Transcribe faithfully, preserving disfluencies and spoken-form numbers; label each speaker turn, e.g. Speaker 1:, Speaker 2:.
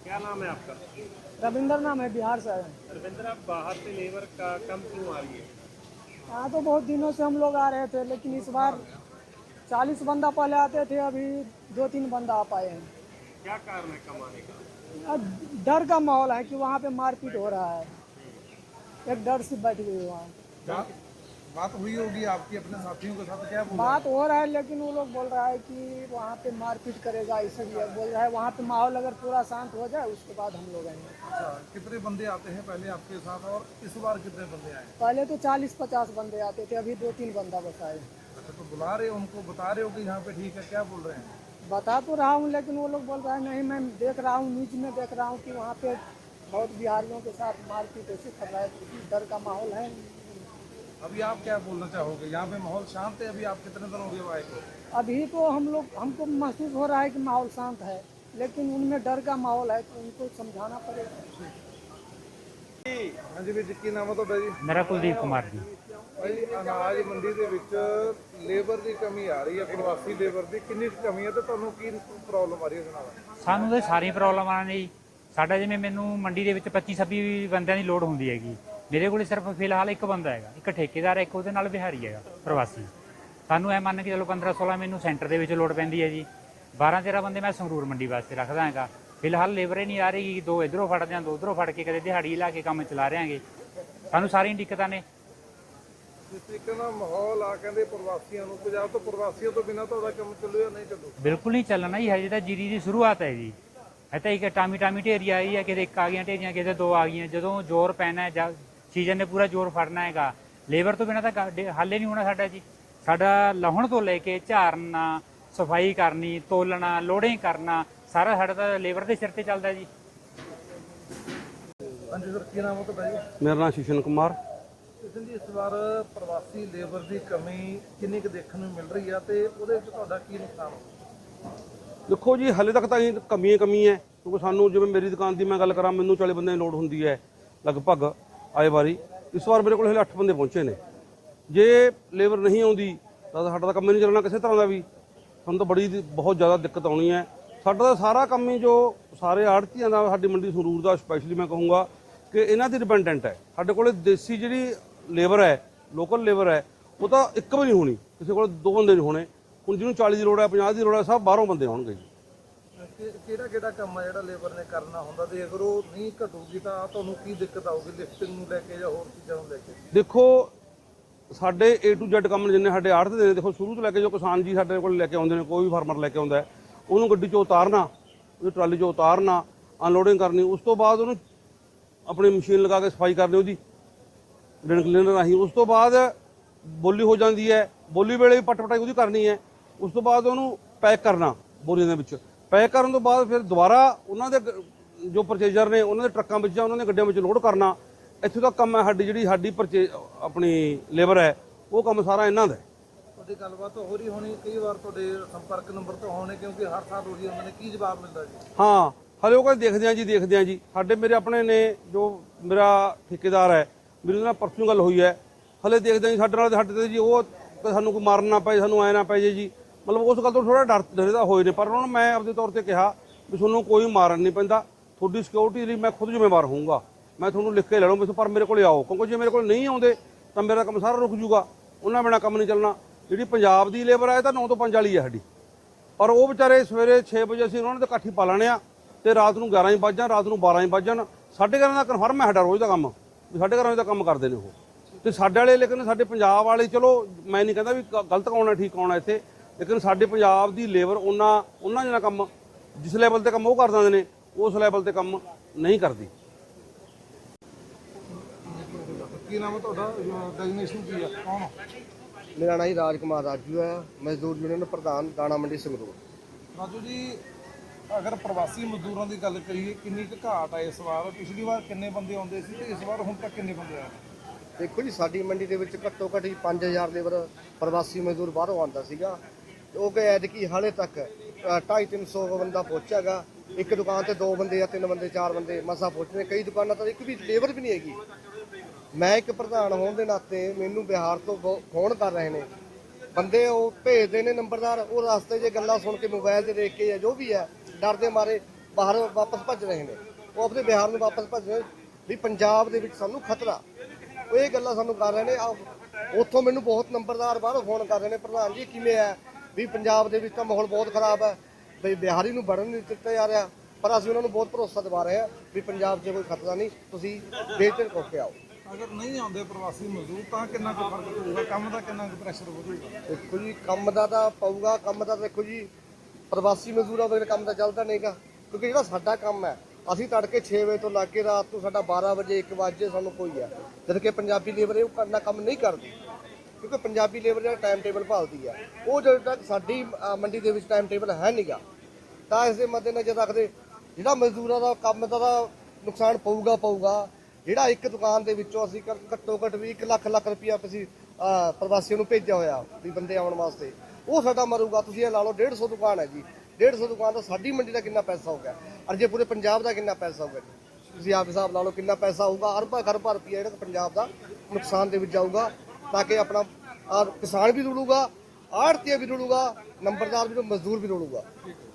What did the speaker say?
Speaker 1: क्या नाम है आपका?
Speaker 2: रविंद्र नाम है, बिहार से आए हैं।
Speaker 1: रविंद्र, आप बाहर से लेबर का कम क्यों आ रही है?
Speaker 2: यहाँ तो बहुत दिनों से हम लोग आ रहे थे, लेकिन इस बार चालीस बंदा पहले आते थे, अभी दो तीन बंदा आ पाए हैं।
Speaker 1: क्या कारण है कम आने का?
Speaker 2: अब डर का माहौल है कि वहाँ पे मारपीट हो रहा है, एक डर से बैठ गई वहाँ।
Speaker 3: बात बात हुई होगी आपकी अपने साथियों के साथ, क्या बोल रहे
Speaker 2: बात हो रहा है, लेकिन वो लोग बोल रहा है कि वहाँ पे मारपीट करेगा, इसीलिए बोल रहा है वहाँ पे माहौल अगर पूरा शांत हो जाए उसके बाद हम लोग आएंगे।
Speaker 3: हैं? अच्छा, कितने बंदे आते हैं पहले आपके साथ और इस बार कितने बंदे आए?
Speaker 2: पहले तो चालीस पचास बंदे आते थे, अभी दो तीन बंदा बस आए।
Speaker 3: अच्छा, तो बुला रहे हो उनको, बता रहे हो कि यहाँ पे ठीक है, क्या बोल रहे हैं?
Speaker 2: बता तो रहा हूँ, लेकिन वो लोग बोल रहा है नहीं, मैं देख रहा हूँ न्यूज में देख रहा हूँ कि वहाँ पे बहुत बिहारियों के साथ मारपीट ऐसे कर रहा है, डर का माहौल है।
Speaker 3: अभी आप क्या बोलना चाहोगे? यहाँ पे माहौल शांत है, अभी आप कितने दिन हो गए आए को?
Speaker 2: अभी तो हम लोग हमको महसूस हो रहा है कि माहौल शांत है, लेकिन उनमें डर का माहौल है, तो उनको समझाना पड़ेगा।
Speaker 3: हाँ जी, ਵੀਰ ਜੀ ਕੀ ਨਾਮ ਹੈ ਤੁਹਾਡਾ ਜੀ?
Speaker 4: ਮੇਰਾ ਕੁਲਦੀਪ ਕੁਮਾਰ ਜੀ।
Speaker 3: ਭਾਈ, ਅਨਾਜ ਮੰਡੀ ਦੇ ਵਿੱਚ ਲੇਬਰ ਦੀ ਕਮੀ ਆ ਰਹੀ ਹੈ, ਪ੍ਰਵਾਸੀ ਲੇਬਰ ਦੀ ਕਿੰਨੀ ਕੁ ਕਮੀ ਹੈ ਤੇ ਤੁਹਾਨੂੰ ਕੀ ਪ੍ਰੋਬਲਮ ਆ ਰਹੀ ਹੈ ਇਸ ਨਾਲ?
Speaker 4: ਸਾਨੂੰ ਤਾਂ ਸਾਰੀਆਂ ਪ੍ਰੋਬਲਮਾਂ ਨੇ ਜੀ। ਸਾਡਾ ਜਿਵੇਂ ਮੈਨੂੰ ਮੰਡੀ ਦੇ ਵਿੱਚ ਪੱਚੀ ਛੱਬੀ ਬੰਦਿਆਂ ਦੀ ਲੋੜ ਹੁੰਦੀ ਹੈਗੀ, ਮੇਰੇ ਕੋਲ ਸਿਰਫ ਫਿਲਹਾਲ ਇੱਕ ਬੰਦਾ ਹੈਗਾ, ਇੱਕ ਠੇਕੇਦਾਰ, ਇੱਕ ਉਹਦੇ ਨਾਲ ਬਿਹਾਰੀ ਹੈਗਾ ਪ੍ਰਵਾਸੀ। ਸਾਨੂੰ ਐ ਮੰਨ ਕੇ ਚਲੋ ਪੰਦਰਾਂ ਸੋਲਾਂ ਮੈਨੂੰ ਸੈਂਟਰ ਦੇ ਵਿੱਚ ਲੋੜ ਪੈਂਦੀ ਹੈ ਜੀ, ਬਾਰਾਂ ਤੇਰਾਂ ਬੰਦੇ ਮੈਂ ਸੰਗਰੂਰ ਮੰਡੀ ਵਾਸਤੇ ਰੱਖਦਾ ਹੈਗਾ। ਫਿਲਹਾਲ ਲੇਬਰ ਹੀ ਨਹੀਂ ਆ ਰਹੀ, ਦੋ ਇੱਧਰੋਂ ਫੜਦੇ ਹਾਂ, ਦੋ ਉੱਧਰੋਂ ਫੜ ਕੇ ਕਦੇ ਦਿਹਾੜੀ ਲਾ ਕੇ ਕੰਮ ਚਲਾ ਰਹੇ ਹਾਂਗੇ। ਸਾਨੂੰ ਸਾਰੀਆਂ ਦਿੱਕਤਾਂ ਨੇ।
Speaker 3: ਜਿਸ ਤਰੀਕੇ ਨਾਲ ਮਾਹੌਲ ਆ, ਕਹਿੰਦੇ ਪ੍ਰਵਾਸੀਆਂ ਨੂੰ, ਪੰਜਾਬ ਤੋਂ ਪ੍ਰਵਾਸੀਆਂ ਤੋਂ ਬਿਨਾਂ ਤੁਹਾਡਾ ਕੰਮ ਚੱਲੂ ਜਾਂ ਨਹੀਂ ਚੱਲੂ?
Speaker 4: ਬਿਲਕੁਲ ਨਹੀਂ ਚੱਲਣਾ ਜੀ, ਹਜੇ ਤਾਂ ਜੀਰੀ ਦੀ ਸ਼ੁਰੂਆਤ ਹੈ ਜੀ। ਇਹ ਤਾਂ ਇੱਕ ਟਾਮੀ ਟਾਮੀ ਢੇਰੀ ਆਈ ਹੈ, ਕਿਤੇ ਇੱਕ ਆ ਗਈਆਂ ਢੇਰੀਆਂ, ਕਿਤੇ ਦੋ ਆ ਗਈਆਂ। ਜਦੋਂ ਜ਼ੋਰ ਪੈਣਾ ਜਾਂ ਸੀਜ਼ਨ ਨੇ ਪੂਰਾ ਜ਼ੋਰ ਫੜਨਾ ਹੈਗਾ, ਲੇਬਰ ਤੋਂ ਬਿਨਾਂ ਤਾਂ ਹੱਲ ਹੀ ਨਹੀਂ ਹੋਣਾ ਸਾਡਾ ਜੀ। ਸਾਡਾ ਲਾਹੁਣ ਤੋਂ ਲੈ ਕੇ ਝਾੜਨਾ, ਸਫਾਈ ਕਰਨੀ, ਤੋਲਣਾ, ਲੋਡਿੰਗ ਕਰਨਾ, ਸਾਰਾ ਸਾਡਾ ਤਾਂ ਲੇਬਰ ਦੇ ਸਿਰ ਤੇ ਚੱਲਦਾ ਜੀ।
Speaker 3: ਹਾਂਜੀ ਸਰ, ਕੀ ਨਾਮ ਹੈ ਤੁਹਾਡਾ ਜੀ?
Speaker 5: ਮੇਰਾ ਨਾਮ ਸ਼ਿਸ਼ਨ ਕੁਮਾਰ।
Speaker 3: ਕਿਸ਼ਨ ਜੀ, ਇਸ ਵਾਰ ਪ੍ਰਵਾਸੀ ਲੇਬਰ ਦੀ ਕਮੀ ਕਿੰਨੀ ਕੁ ਦੇਖਣ ਨੂੰ ਮਿਲ ਰਹੀ ਆ ਤੇ ਉਹਦੇ ਵਿੱਚ ਤੁਹਾਡਾ ਕੀ ਨੁਕਸਾਨ ਹੋ?
Speaker 5: ਦੇਖੋ ਜੀ, ਹਾਲੇ ਤੱਕ ਤਾਂ ਇਹ ਕਮੀ ਹੀ ਕਮੀ ਹੈ, ਕਿਉਂਕਿ ਸਾਨੂੰ ਜਿਵੇਂ ਮੇਰੀ ਦੁਕਾਨ ਦੀ ਮੈਂ ਗੱਲ ਕਰਾਂ, ਮੈਨੂੰ ਚਾਲੀ ਬੰਦਿਆਂ ਦੀ ਲੋੜ ਹੁੰਦੀ ਹੈ ਲਗਭਗ ਆਏ ਵਾਰੀ। ਇਸ ਵਾਰ ਮੇਰੇ ਕੋਲ ਹਲੇ ਅੱਠ ਬੰਦੇ ਪਹੁੰਚੇ ਨੇ। ਜੇ ਲੇਬਰ ਨਹੀਂ ਆਉਂਦੀ ਤਾਂ ਸਾਡਾ ਤਾਂ ਕੰਮ ਹੀ ਨਹੀਂ ਚੱਲਣਾ ਕਿਸੇ ਤਰ੍ਹਾਂ ਦਾ ਵੀ। ਸਾਨੂੰ ਤਾਂ ਬੜੀ ਬਹੁਤ ਜ਼ਿਆਦਾ ਦਿੱਕਤ ਆਉਣੀ ਹੈ। ਸਾਡਾ ਤਾਂ ਸਾਰਾ ਕੰਮ ਹੀ, ਜੋ ਸਾਰੇ ਆੜ੍ਹਤੀਆਂ ਦਾ, ਸਾਡੀ ਮੰਡੀ ਸੰਗਰੂਰ ਦਾ ਸਪੈਸ਼ਲੀ ਮੈਂ ਕਹੂੰਗਾ ਕਿ ਇਹਨਾਂ ਦੀ ਡਿਪੈਂਡੈਂਟ ਹੈ। ਸਾਡੇ ਕੋਲ ਦੇਸੀ ਜਿਹੜੀ ਲੇਬਰ ਹੈ, ਲੋਕਲ ਲੇਬਰ ਹੈ, ਉਹ ਤਾਂ ਇੱਕ ਵੀ ਨਹੀਂ ਹੋਣੀ, ਕਿਸੇ ਕੋਲ ਦੋ ਬੰਦੇ ਨਹੀਂ ਹੋਣੇ। ਹੁਣ ਜਿਹਨੂੰ ਚਾਲੀ ਦੀ ਲੋੜ ਹੈ, ਪੰਜਾਹ ਦੀ ਲੋੜ ਹੈ, ਸਭ ਬਾਹਰੋਂ ਬੰਦੇ ਹੋਣਗੇ ਜੀ।
Speaker 3: ਕਿਹੜਾ ਕਿਹੜਾ ਕੰਮ ਆ ਜਿਹੜਾ ਲੇਬਰ ਨੇ ਕਰਨਾ ਹੁੰਦਾ ਤੇ ਅਗਰ ਉਹ ਨਹੀਂ ਘਟੂਗੀ ਤਾਂ ਤੁਹਾਨੂੰ ਕੀ ਦਿੱਕਤ ਆਊਗੀ ਲਿਫਟਿੰਗ ਨੂੰ ਲੈ ਕੇ ਜਾਂ ਹੋਰ ਚੀਜ਼ਾਂ ਨੂੰ ਲੈ ਕੇ?
Speaker 5: ਦੇਖੋ, ਸਾਡੇ ਏ ਟੂ ਜ਼ੈਡ ਕੰਮ ਜਿੰਨੇ ਸਾਡੇ ਆੜ੍ਹਤੇ ਦੇ ਨੇ, ਦੇਖੋ ਸ਼ੁਰੂ ਤੋਂ ਲੈ ਕੇ ਜੋ ਕਿਸਾਨ ਜੀ ਸਾਡੇ ਕੋਲ ਲੈ ਕੇ ਆਉਂਦੇ ਨੇ, ਕੋਈ ਵੀ ਫਾਰਮਰ ਲੈ ਕੇ ਆਉਂਦਾ ਹੈ, ਉਹਨੂੰ ਗੱਡੀ 'ਚੋਂ ਉਤਾਰਨਾ, ਉਹਦੀ ਟਰਾਲੀ 'ਚੋਂ ਉਤਾਰਨਾ, ਅਨਲੋਡਿੰਗ ਕਰਨੀ, ਉਸ ਤੋਂ ਬਾਅਦ ਉਹਨੂੰ ਆਪਣੀ ਮਸ਼ੀਨ ਲਗਾ ਕੇ ਸਫਾਈ ਕਰਨੀ ਉਹਦੀ ਡਿਨ ਕਲੀਨਰ ਰਾਹੀਂ। ਉਸ ਤੋਂ ਬਾਅਦ ਬੋਲੀ ਹੋ ਜਾਂਦੀ ਹੈ, ਬੋਲੀ ਵੇਲੇ ਵੀ ਪੱਟ ਪਟਾਈ ਉਹਦੀ ਕਰਨੀ ਹੈ। ਉਸ ਤੋਂ ਬਾਅਦ ਉਹਨੂੰ ਪੈਕ ਕਰਨਾ ਬੋਰੀਆਂ ਦੇ ਵਿੱਚ। ਪੈਕ ਕਰਨ ਤੋਂ ਬਾਅਦ ਫਿਰ ਦੁਬਾਰਾ ਉਹਨਾਂ ਦੇ ਜੋ ਪਰਚੇਜ਼ਰ ਨੇ, ਉਹਨਾਂ ਦੇ ਟਰੱਕਾਂ ਵਿੱਚ ਜਾਂ ਉਹਨਾਂ ਦੇ ਗੱਡੀਆਂ ਵਿੱਚ ਲੋਡ ਕਰਨਾ। ਇੱਥੋਂ ਤੱਕ ਕੰਮ ਹੈ ਸਾਡੀ ਜਿਹੜੀ ਸਾਡੀ ਪਰਚੇ ਆਪਣੀ ਲੇਬਰ ਹੈ, ਉਹ ਕੰਮ ਸਾਰਾ ਇਹਨਾਂ ਦਾ।
Speaker 3: ਤੁਹਾਡੀ ਗੱਲਬਾਤ ਹੋ ਰਹੀ ਹੋਣੀ, ਕਈ ਵਾਰ ਤੁਹਾਡੇ ਸੰਪਰਕ ਨੰਬਰ ਤੋਂ ਹੋਣੇ, ਕਿਉਂਕਿ ਹਰ ਸਾਲ ਉਹੀ ਉਹਨਾਂ ਨੇ ਕੀ ਜਵਾਬ ਮਿਲਦਾ ਜੀ?
Speaker 5: ਹਾਂ, ਹਲੇ ਉਹ ਕਹਿੰਦੇ ਦੇਖਦੇ ਆ ਜੀ, ਦੇਖਦੇ ਆ ਜੀ। ਸਾਡੇ ਮੇਰੇ ਆਪਣੇ ਨੇ, ਜੋ ਮੇਰਾ ਠੇਕੇਦਾਰ ਹੈ, ਮੇਰੇ ਨਾਲ ਪਰਸੋਂ ਗੱਲ ਹੋਈ ਹੈ, ਹਲੇ ਦੇਖਦੇ ਆ ਜੀ। ਸਾਡੇ ਨਾਲ ਸਾਡੇ ਤੇ ਜੀ ਉਹ ਸਾਨੂੰ ਕੋਈ ਮਾਰਨ ਨਾ ਪਏ, ਸਾਨੂੰ ਐ ਨਾ ਪਏ ਜੀ। ਮਤਲਬ ਉਸ ਗੱਲ ਤੋਂ ਥੋੜਾ ਡਰ ਡਰਦਾ ਹੋਏ ਨੇ। ਪਰ ਉਹਨਾਂ ਨੂੰ ਮੈਂ ਆਪਦੇ ਤੌਰ ਤੇ ਕਿਹਾ ਵੀ ਤੁਹਾਨੂੰ ਕੋਈ ਮਾਰਨ ਨਹੀਂ ਪੈਂਦਾ, ਤੁਹਾਡੀ ਸਿਕਿਉਰਿਟੀ ਲਈ ਮੈਂ ਖੁਦ ਜ਼ਿੰਮੇਵਾਰ ਹੋਊਂਗਾ, ਮੈਂ ਤੁਹਾਨੂੰ ਲਿਖ ਕੇ ਲੈ ਲਵਾਂ, ਪਰ ਮੇਰੇ ਕੋਲ ਆਓ, ਕਿਉਂਕਿ ਜੇ ਮੇਰੇ ਕੋਲ ਨਹੀਂ ਆਉਂਦੇ ਤਾਂ ਮੇਰਾ ਕੰਮ ਸਾਰਾ ਰੁਕ ਜੂਗਾ, ਉਹਨਾਂ ਬਿਨਾਂ ਕੰਮ ਨਹੀਂ ਚੱਲਣਾ। ਜਿਹੜੀ ਪੰਜਾਬ ਦੀ ਲੇਬਰ ਹੈ, ਇਹ ਤਾਂ ਨੌ ਤੋਂ ਪੰਜ ਵਾਲੀ ਹੈ ਸਾਡੀ, ਪਰ ਉਹ ਵਿਚਾਰੇ ਸਵੇਰੇ ਛੇ ਵਜੇ ਅਸੀਂ ਉਹਨਾਂ ਨੇ ਤਾਂ ਇਕੱਠੀ ਪਾ ਲੈਣੇ ਆ, ਤੇ ਰਾਤ ਨੂੰ ਗਿਆਰਾਂ ਹੀ ਵੱਜ ਜਾਣ, ਰਾਤ ਨੂੰ ਬਾਰਾਂ ਹੀ ਵੱਜ ਜਾਣ। ਸਾਢੇ ਗਿਆਰਾਂ ਦਾ ਕਨਫਰਮ ਹੈ ਸਾਡਾ ਰੋਜ਼ ਦਾ ਕੰਮ, ਵੀ ਸਾਢੇ ਗਿਆਰਾਂ ਵਜੇ ਦਾ ਕੰਮ ਕਰਦੇ ਨੇ ਉਹ। ਤੇ ਸਾਡੇ ਵਾਲੇ, ਲੇਕਿਨ ਸਾਡੇ ਪੰਜਾਬ ਵਾਲੇ, ਚਲੋ ਮੈਂ ਨਹੀਂ ਕਹਿੰਦਾ ਵੀ ਗਲਤ ਕੌਣ ਹੈ ਠੀਕ ਕੌਣ ਹੈ ਇੱਥੇ, ਲੇਕਿਨ ਸਾਡੇ ਪੰਜਾਬ ਦੀ ਲੇਬਰ ਉਹਨਾਂ ਉਹਨਾਂ ਜਿਹੜਾ ਕੰਮ ਜਿਸ ਲੈਵਲ ਤੇ ਕੰਮ ਉਹ ਕਰ ਦਿੰਦੇ ਨੇ, ਉਸ ਲੈਵਲ ਤੇ ਕੰਮ ਨਹੀਂ ਕਰਦੀ।
Speaker 3: ਕੀ ਨਾਮ ਹੈ ਤੁਹਾਡਾ? ਡੈਜ਼ਿਗਨੇਸ਼ਨ ਕੀ ਹੈ? ਕੌਣ?
Speaker 6: ਮੇਰਾ ਨਾਮ ਜੀ ਰਾਜ ਕੁਮਾਰ ਰਾਜੂ ਹੈ, ਮਜ਼ਦੂਰ ਯੂਨੀਅਨ ਪ੍ਰਧਾਨ, ਦਾਣਾ ਮੰਡੀ ਸੰਗਰੂਰ।
Speaker 3: ਰਾਜੂ ਜੀ, ਅਗਰ ਪ੍ਰਵਾਸੀ ਮਜ਼ਦੂਰਾਂ ਦੀ ਗੱਲ ਕਰੀਏ, ਕਿੰਨੀ ਕੁ ਘਾਟ ਹੈ ਇਸ ਵਾਰ? ਪਿਛਲੀ ਵਾਰ ਕਿੰਨੇ ਬੰਦੇ ਆਉਂਦੇ ਸੀ ਤੇ ਇਸ ਵਾਰ ਹੁਣ ਤੱਕ ਕਿੰਨੇ ਬੰਦੇ ਆਏ?
Speaker 6: ਦੇਖੋ ਜੀ, ਸਾਡੀ ਮੰਡੀ ਦੇ ਵਿੱਚ ਘੱਟੋ ਘੱਟ ਪੰਜ ਹਜ਼ਾਰ ਲੇਬਰ ਪ੍ਰਵਾਸੀ ਮਜ਼ਦੂਰ ਬਾਹਰੋਂ ਆਉਂਦਾ ਸੀਗਾ, ਉਹ ਕਿ ਐਤਕੀ ਹਾਲੇ ਤੱਕ ਢਾਈ ਤਿੰਨ ਸੌ ਬੰਦਾ ਪਹੁੰਚਿਆਗਾ। ਇੱਕ ਦੁਕਾਨ ਤੇ ਦੋ ਬੰਦੇ ਜਾਂ ਤਿੰਨ ਬੰਦੇ, ਚਾਰ ਬੰਦੇ ਮਸਾ ਪਹੁੰਚਦੇ, ਕਈ ਦੁਕਾਨਾਂ ਤਾਂ ਇੱਕ ਵੀ ਲੇਬਰ ਵੀ ਨਹੀਂ ਹੈਗੀ। ਮੈਂ ਇੱਕ ਪ੍ਰਧਾਨ ਹੋਣ ਦੇ ਨਾਤੇ ਮੈਨੂੰ ਬਿਹਾਰ ਤੋਂ ਫੋਨ ਕਰ ਰਹੇ ਨੇ ਬੰਦੇ, ਉਹ ਭੇਜਦੇ ਨੇ ਨੰਬਰਦਾਰ, ਉਹ ਰਸਤੇ 'ਚ ਗੱਲਾਂ ਸੁਣ ਕੇ ਮੋਬਾਈਲ 'ਤੇ ਦੇਖ ਕੇ ਜਾਂ ਜੋ ਵੀ ਹੈ, ਡਰ ਦੇ ਮਾਰੇ ਬਾਹਰ ਵਾਪਸ ਭੱਜ ਰਹੇ ਨੇ, ਉਹ ਆਪਣੇ ਬਿਹਾਰ ਨੂੰ ਵਾਪਸ ਭੱਜ ਰਹੇ ਵੀ ਪੰਜਾਬ ਦੇ ਵਿੱਚ ਸਾਨੂੰ ਖਤਰਾ। ਉਹ ਇਹ ਗੱਲਾਂ ਸਾਨੂੰ ਕਰ ਰਹੇ ਨੇ। ਆ ਉੱਥੋਂ ਮੈਨੂੰ ਬਹੁਤ ਨੰਬਰਦਾਰ ਬਾਹਰੋਂ ਫੋਨ ਕਰ ਰਹੇ ਨੇ, ਪ੍ਰਧਾਨ ਜੀ ਕਿਵੇਂ ਹੈ ਵੀ ਪੰਜਾਬ ਦੇ ਵਿੱਚ ਤਾਂ ਮਾਹੌਲ ਬਹੁਤ ਖਰਾਬ ਹੈ, ਵੀ ਬਿਹਾਰੀ ਨੂੰ ਵੜਨ ਨਹੀਂ ਦਿੱਤਾ ਜਾ ਰਿਹਾ। ਪਰ ਅਸੀਂ ਉਹਨਾਂ ਨੂੰ ਬਹੁਤ ਭਰੋਸਾ ਦਿਵਾ ਰਹੇ ਹਾਂ ਵੀ ਪੰਜਾਬ 'ਚ ਕੋਈ ਖਤਰਾ ਨਹੀਂ, ਤੁਸੀਂ ਬੇਝਿਜਕ ਹੋ ਕੇ ਆਓ।
Speaker 3: ਅਗਰ ਨਹੀਂ ਆਉਂਦੇ ਪ੍ਰਵਾਸੀ ਮਜ਼ਦੂਰ ਤਾਂ ਕਿੰਨਾ ਕੁ ਫਰਕ ਪਊਗਾ, ਕੰਮ ਦਾ ਕਿੰਨਾ ਕੁ ਪ੍ਰੈਸ਼ਰ ਵਧੂਗਾ?
Speaker 6: ਦੇਖੋ ਜੀ ਕੰਮ ਦਾ ਤਾਂ ਪਊਗਾ, ਕੰਮ ਦਾ ਦੇਖੋ ਜੀ ਪ੍ਰਵਾਸੀ ਮਜ਼ਦੂਰਾਂ ਵਗੈਰਾ ਕੰਮ ਤਾਂ ਚੱਲਦਾ ਨਹੀਂਗਾ, ਕਿਉਂਕਿ ਜਿਹੜਾ ਸਾਡਾ ਕੰਮ ਹੈ ਅਸੀਂ ਤੜਕੇ ਛੇ ਵਜੇ ਤੋਂ ਲੱਗ ਕੇ ਰਾਤ ਨੂੰ ਸਾਡਾ ਬਾਰਾਂ ਵਜੇ ਇੱਕ ਵਜੇ ਸਾਨੂੰ ਕੋਈ ਹੈ, ਜਦ ਕਿ ਪੰਜਾਬੀ ਲੇਬਰ ਇਹ ਕਰਨਾ ਕੰਮ ਨਹੀਂ ਕਰਦੀ, ਕਿਉਂਕਿ ਪੰਜਾਬੀ ਲੇਬਰ ਜਿਹੜਾ ਟਾਈਮ ਟੇਬਲ ਭਾਲਦੀ ਹੈ ਉਹ ਜਦੋਂ ਤੱਕ ਸਾਡੀ ਅ, ਮੰਡੀ ਦੇ ਵਿੱਚ ਟਾਈਮ ਟੇਬਲ ਹੈ ਨਹੀਂਗਾ, ਤਾਂ ਇਸ ਦੇ ਮੱਦੇਨਜ਼ਰ ਰੱਖਦੇ ਜਿਹੜਾ ਮਜ਼ਦੂਰਾਂ ਦਾ ਕੰਮ ਦਾ ਤਾਂ ਨੁਕਸਾਨ ਪਊਗਾ ਪਊਗਾ ਜਿਹੜਾ ਇੱਕ ਦੁਕਾਨ ਦੇ ਵਿੱਚੋਂ ਅਸੀਂ ਘ- ਘੱਟੋ ਘੱਟ ਵੀ ਇੱਕ ਲੱਖ ਲੱਖ ਰੁਪਈਆ ਅਸੀਂ ਅ, ਪ੍ਰਵਾਸੀਆਂ ਨੂੰ ਭੇਜਿਆ ਹੋਇਆ ਵੀ ਬੰਦੇ ਆਉਣ ਵਾਸਤੇ, ਉਹ ਸਾਡਾ ਮਰੂਗਾ। ਤੁਸੀਂ ਇਹ ਲਾ ਲਓ ਡੇਢ ਸੌ ਦੁਕਾਨ ਹੈ ਜੀ, ਡੇਢ ਸੌ ਦੁਕਾਨ ਦਾ ਸਾਡੀ ਮੰਡੀ ਦਾ ਕਿੰਨਾ ਪੈਸਾ ਹੋ ਗਿਆ, ਔਰ ਜੇ ਪੂਰੇ ਪੰਜਾਬ ਦਾ ਕਿੰਨਾ ਪੈਸਾ ਹੋਊਗਾ ਜੀ, ਤੁਸੀਂ ਆਪ ਹਿਸਾਬ ਲਾ ਲਓ ਕਿੰਨਾ ਪੈਸਾ ਹੋਊਗਾ। ਅਰਬਾਂ ਖਰਬਾਂ ਰੁਪਈਆ ਜਿਹੜਾ ਪੰਜਾਬ ਦਾ ਨੁਕਸਾਨ ਦੇ ਵਿੱਚ ਜਾਊਗਾ, ਤਾਂ ਕਿ ਆਪਣਾ ਆਹ ਕਿਸਾਨ ਵੀ ਰੁਲੂਗਾ, ਆੜ੍ਹਤੀਆ ਵੀ ਰੁਲੂਗਾ, ਨੰਬਰਦਾਰ ਵੀ, ਮਜ਼ਦੂਰ ਵੀ ਰੁਲੂਗਾ।